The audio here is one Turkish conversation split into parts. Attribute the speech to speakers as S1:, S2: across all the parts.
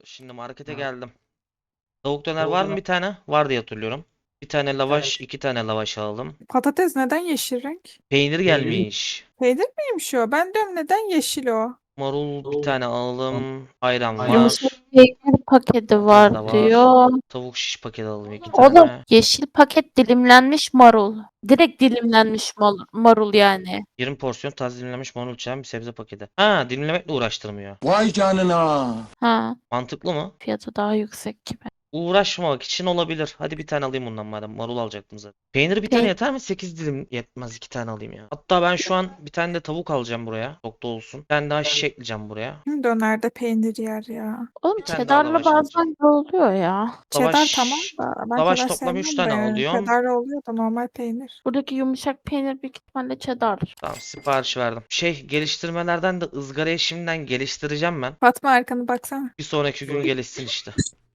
S1: Şimdi markete geldim. Tavuk döner var mı bir tane? Var diye hatırlıyorum. Bir tane lavaş, iki tane lavaş alalım.
S2: Patates neden yeşil renk?
S1: Peynir gelmiş.
S2: Peynir miymiş o? Ben diyorum neden yeşil o?
S1: Marul bir tane alalım. Ayran
S3: Yumuşak
S1: var.
S3: peynir paketi
S1: Domates de
S3: var
S1: var.
S3: diyor.
S1: Tavuk şiş paket alalım iki
S3: Oğlum
S1: tane.
S3: yeşil paket dilimlenmiş marul. Direkt dilimlenmiş marul yani.
S1: 20 porsiyon taze dilimlenmiş marul çiğnen bir sebze paketi. Ha, dilimlemekle uğraştırmıyor.
S4: Vay canına.
S3: Ha,
S1: Mantıklı mı?
S3: fiyatı daha yüksek gibi.
S1: Uğraşmamak için olabilir. Hadi bir tane alayım bundan madem. Marul alacaktım zaten. Peynir bir tane yeter mi? 8 dilim yetmez. 2 tane alayım ya. Hatta ben şu an bir tane de tavuk alacağım buraya. Çok da olsun. Bir tane daha şiş ekleyeceğim buraya.
S2: Dönerde peynir yer ya.
S3: Oğlum
S1: Bir tane daha
S3: cheddarlı
S1: lavaş
S3: bazen
S1: alacağım.
S3: de oluyor ya.
S2: Cheddar tamam
S1: Lavaş.
S2: da ben
S1: Lavaş
S2: cheddar
S1: toplam 3
S2: sevmem de
S1: tane
S2: yani.
S1: alıyorum.
S2: Cheddar oluyor da normal peynir.
S3: Buradaki yumuşak peynir büyük ihtimalle cheddar.
S1: Tamam, sipariş verdim. Geliştirmelerden de ızgarayı şimdiden geliştireceğim ben.
S2: Fatma arkanı baksana.
S1: Bir sonraki gün gelişsin işte.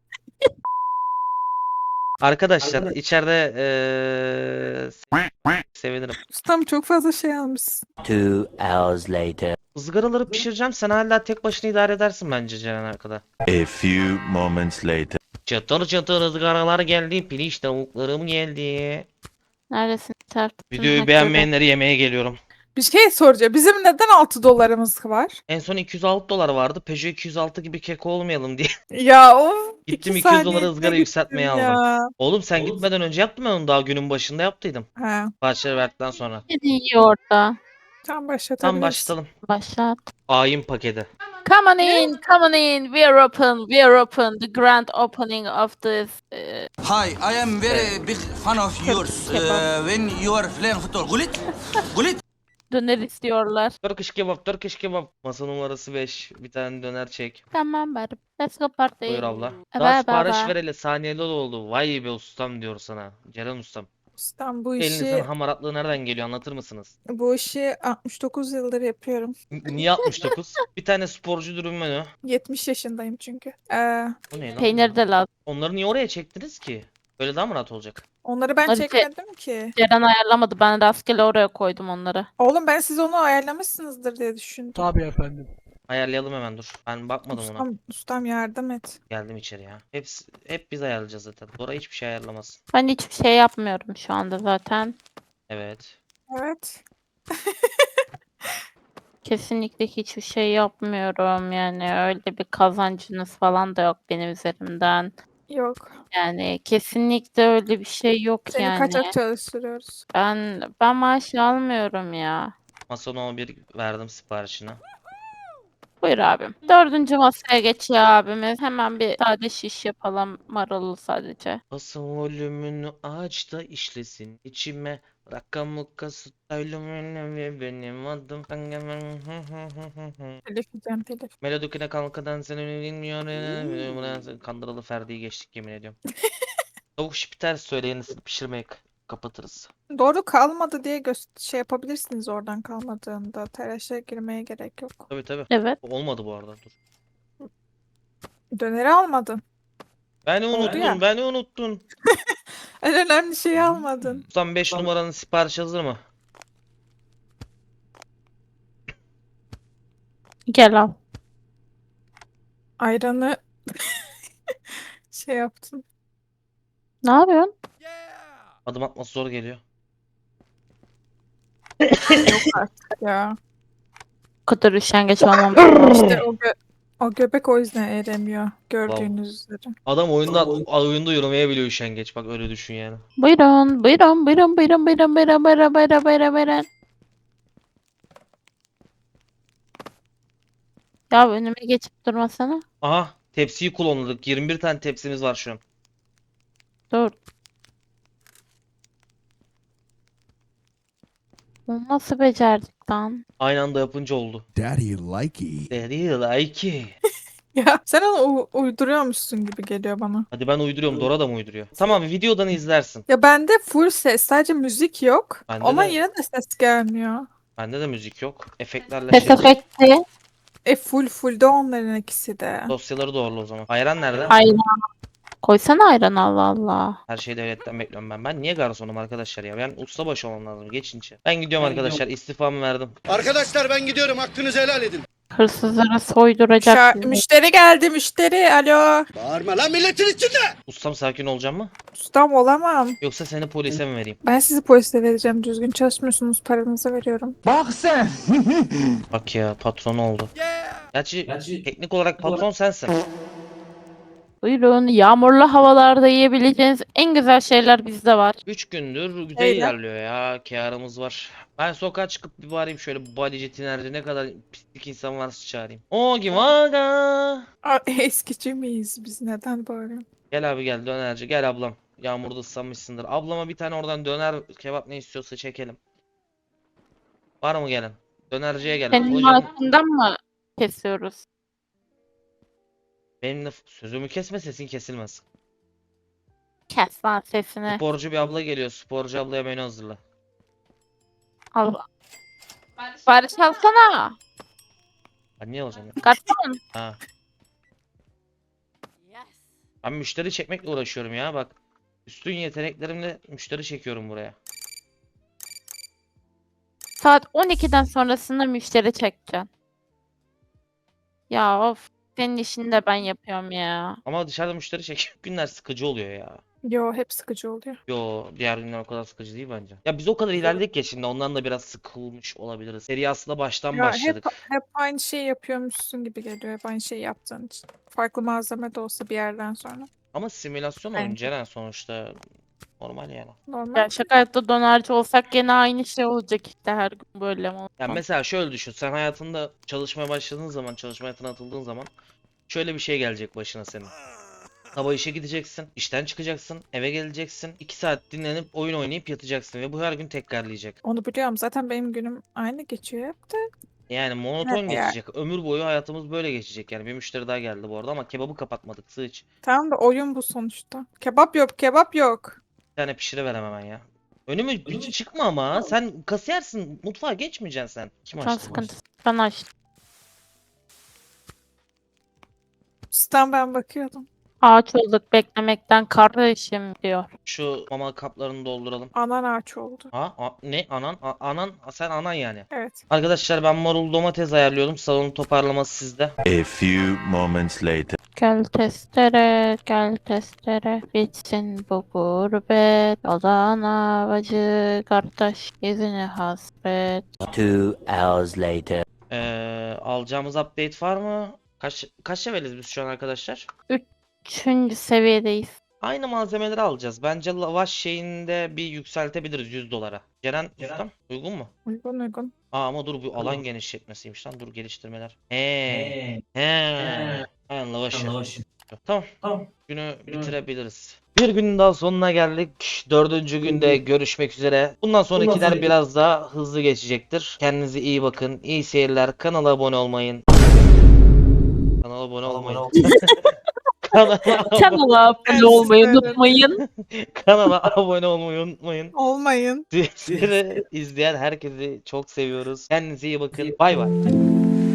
S1: Arkadaşlar içeride sevinirim.
S2: Ustam çok fazla şey almışsın.
S5: 2 hours later.
S1: Izgaraları pişireceğim. Sen hala tek başına idare edersin bence Ceren arkada.
S6: A few moments later.
S1: Çatır çatır ızgaralar geldi. Piliç tavuklarım geldi.
S3: Neredesin Serpil?
S1: Videoyu beğenmeyenleri yemeye geliyorum.
S2: Bir şey soracağım. Bizim neden 6 dolarımız var?
S1: En son 206 dolar vardı. Peugeot 206 gibi keko olmayalım diye.
S2: Ya of.
S1: Gittim
S2: 2
S1: 200 dolara
S2: saniyede
S1: ızgara
S2: gittim
S1: yükseltmeye aldım.
S2: ya.
S1: Oğlum sen gitmeden önce yaptım ben onu, daha günün başında yaptıydım.
S2: Ha.
S1: Parçaları verdikten sonra.
S3: Ne yiyor orada?
S2: Tam başlatabiliriz.
S1: Tam başlayalım.
S3: Başlat.
S1: Ayin paketi.
S3: Come on in, come on in. We are open, we are open. The grand opening of this.
S4: Hi, I am very big fan of yours. When you are playing football. Gulit? Gulit?
S3: Döner istiyorlar.
S1: Turkish kebap, Turkish kebap. Masa numarası 5. Bir tane döner çek.
S3: Tamam bari. Let's go party.
S1: Buyur abla.
S3: Bye
S1: Daha
S3: bye
S1: sipariş
S3: bye.
S1: vereli saniyeli oldu. Vay be ustam diyor sana. Ceren ustam.
S2: Ustam bu
S1: Elinizin
S2: işi
S1: hamaratlığı nereden geliyor, anlatır mısınız?
S2: 69 yıldır yapıyorum.
S1: Niye 69? Bir tane sporcu dürüm menü.
S2: 70 yaşındayım çünkü.
S1: Bu ne lan?
S3: Peynir de lazım.
S1: Onları niye oraya çektiniz ki? Böyle daha mı rahat olacak?
S2: Onları ben
S3: Hadi
S2: çekmedim ki.
S3: Ceren ayarlamadı. Ben rastgele oraya koydum onları.
S2: Oğlum ben siz onu ayarlamışsınızdır diye düşündüm.
S7: Tabii efendim.
S1: Ayarlayalım hemen, dur. Ben bakmadım ona.
S2: Ustam yardım et.
S1: Geldim içeri ya. Hep biz ayarlayacağız zaten. Dora hiçbir şey ayarlamasın.
S3: Ben hiçbir şey yapmıyorum şu anda zaten.
S1: Evet.
S2: Evet.
S3: Kesinlikle hiçbir şey yapmıyorum. Yani öyle bir kazancınız falan da yok benim üzerimden.
S2: Yok.
S3: Yani kesinlikle öyle bir şey yok
S2: Seni
S3: yani.
S2: kaçak çalıştırıyoruz.
S3: Ben maaş almıyorum ya.
S1: Masa no 1 verdim siparişini.
S3: Buyur abim. Dördüncü masaya geçiyor abimiz. Hemen bir sade şiş yapalım. Marullu sadece.
S1: Basın volümünü aç da işlesin içime. Rakamı kasıtaylı ve benim adım.
S2: Telif yiyeceğim telif.
S1: Melodikine kalkadan seni bilmiyorum. Kandıralı Ferdi'yi geçtik yemin ediyorum. Tavuk şipi ters söyleyin, pişirmeyi kapatırız.
S2: Doğru kalmadı diye şey yapabilirsiniz oradan kalmadığında. Telaşa girmeye gerek yok.
S1: Tabii tabii.
S3: Evet.
S1: Olmadı bu arada, dur.
S2: Döneri almadın.
S1: Beni
S2: Oldu
S1: unuttun,
S2: ya.
S1: beni unuttun.
S2: En önemli şeyi almadın.
S1: Ustam 5 numaranın sipariş hazır mı?
S3: Gel al.
S2: Ayranı şey yaptın.
S3: Ne yapıyorsun?
S1: Adım atması zor geliyor.
S2: Yok artık ya.
S3: Bu kadar üşengeç olmam.
S2: İşte o göbek o yüzden eremiyor. Gördüğünüz üzere.
S1: Adam oyunda yürümeye biliyor üşengeç, bak öyle düşün yani.
S3: Buyurun, buyurun, buyurun, buyurun, buyurun, buyurun, buyurun, buyurun, buyurun, buyurun. Ya önüme geçip durmasana.
S1: Aha, tepsiyi kullandık. 21 tane tepsimiz var şu an.
S3: Dur. Bunu nasıl becerdik lan?
S1: Aynı anda yapınca oldu.
S6: Daddy likey.
S1: Daddy like it.
S2: Ya sen onu uyduruyormuşsun gibi geliyor bana.
S1: Hadi ben uyduruyorum, Dora da mı uyduruyor? Tamam, videodan izlersin.
S2: Ya bende full ses. Sadece müzik yok.
S1: Bende
S2: Ama
S1: de-
S2: yine de ses gelmiyor.
S1: Bende de müzik yok. Efektlerle
S3: Ses
S1: şey.
S3: efekti.
S2: Full de onların ikisi de.
S1: Dosyaları doğrulu o zaman. Ayran nerede?
S3: Ayran. Koysana ayran Allah Allah.
S1: Her şeyi devletten bekliyorum ben. Ben niye garsonum arkadaşlar ya? Ben ustabaşı olmam lazım. Geçince. Ben gidiyorum arkadaşlar. İstifamı verdim.
S8: Arkadaşlar ben gidiyorum. Hakkınızı helal edin.
S3: Hırsızlara soyduracak bizi.
S2: Müşteri geldi, müşteri. Alo.
S1: Ustam sakin olacağım mı?
S2: Ustam olamam.
S1: Yoksa seni polise mi vereyim?
S2: Ben sizi polise vereceğim. Düzgün çalışmıyorsunuz. Paranızı veriyorum.
S1: Bak ya patron oldu. Gerçi teknik olarak patron sensin.
S3: Buyurun. Yağmurlu havalarda yiyebileceğiniz en güzel şeyler bizde var.
S1: 3 gündür güzel
S2: Öyle.
S1: ilerliyor ya. Kârımız var. Ben sokağa çıkıp bir bağırayım şöyle bodyci tinerci ne kadar pislik insan varsa çağırayım. Ogi vaga.
S2: Aa, eskici miyiz biz? Neden bağırıyorsun?
S1: Gel abi gel dönerci gel ablam. Yağmurda ıslanmışsındır. Ablama bir tane oradan döner kebap ne istiyorsa çekelim. Var mı gelen? Dönerciye gelin.
S3: Senin
S1: Hocam
S3: maaşından mı kesiyoruz?
S1: benimle sözümü kesme sesin kesilmez.
S3: Kes lan sesini.
S1: Sporcu bir abla geliyor. Sporcu ablaya menü hazırla.
S3: Al. Barış alsana.
S1: Ben niye alacağım ya?
S3: Garson.
S1: Ha. Ben müşteri çekmekle uğraşıyorum ya bak. Üstün yeteneklerimle müşteri çekiyorum buraya.
S3: Saat 12'den sonrasında müşteri çekeceksin. Ya of. Senin işini de ben yapıyorum ya.
S1: Ama dışarıda müşteri çek günler sıkıcı oluyor ya.
S2: Yo, hep sıkıcı oluyor.
S1: Yo diğer günler o kadar sıkıcı değil bence. Ya biz o kadar ilerledik ya şimdi ondan da biraz sıkılmış olabiliriz. Seri aslında baştan
S2: Ya
S1: başladık.
S2: hep aynı şeyi yapıyormuşsun gibi geliyor. Hep aynı şeyi yaptığın için. Farklı malzeme de olsa bir yerden sonra.
S1: Ama simülasyon oyun
S2: Bence.
S1: Ceren sonuçta normal yani.
S2: Normal.
S3: Gerçek hayatta dönerci olsak gene aynı şey olacak işte her gün böyle mi
S1: Ya
S3: olmaz?
S1: mesela şöyle düşün sen hayatında çalışmaya başladığın zaman çalışma hayatına atıldığın zaman şöyle bir şey gelecek başına senin. Sabah işe gideceksin, işten çıkacaksın, eve geleceksin, 2 saat dinlenip oyun oynayıp yatacaksın ve bu her gün tekrarlayacak.
S2: Onu biliyorum. Zaten benim günüm aynı geçiyor hep de.
S1: Yani monoton
S2: Evet ya.
S1: geçecek. Ömür boyu hayatımız böyle geçecek yani. Bir müşteri daha geldi bu arada ama kebabı kapatmadık sığıç.
S2: Tamam da oyun bu sonuçta. Kebap yok, kebap yok.
S1: Bir tane pişiriverem hemen ya. Önüme hiç çıkma ama sen kasiyersin mutfağa geçmeyeceksin sen. Kim
S3: Can
S1: açtı?
S3: sıkıntısı. Ben açtım.
S2: Üstten ben bakıyordum.
S3: Ağaç olduk beklemekten kardeşim diyor.
S1: Şu mama kaplarını dolduralım.
S2: Anan ağaç oldu.
S1: Ne anan anan sen anan yani.
S2: Evet.
S1: Arkadaşlar ben marul domates ayarlıyordum. Salonun toparlaması sizde.
S6: A few moments later.
S3: Gel testere, bitsin bu gurbet. Adana bacı, kardeş, izini hasret.
S5: 2 hours later.
S1: Alacağımız update var mı? Kaç leveliz biz şu an arkadaşlar?
S3: 3. seviyedeyiz.
S1: Aynı malzemeleri alacağız. Bence lavaş şeyinde bir yükseltebiliriz 100 dolara. Ceren ustam uygun mu?
S2: Uygun uygun.
S1: Ama dur bu alan genişletmesiymiş lan. Dur geliştirmeler. Aynen lavaş. Tamam. Günü bitirebiliriz. Bir günün daha sonuna geldik. 4. günde görüşmek üzere. Bundan sonrakiler biraz daha hızlı geçecektir. Kendinize iyi bakın. İyi seyirler. Kanala abone olmayın. Kanala abone olmayın.
S3: Kanala abone olmayı unutmayın.
S1: Kanala abone olmayı unutmayın.
S2: Olmayın.
S1: Sizleri izleyen herkesi çok seviyoruz. Kendinize iyi bakın. Bay bay.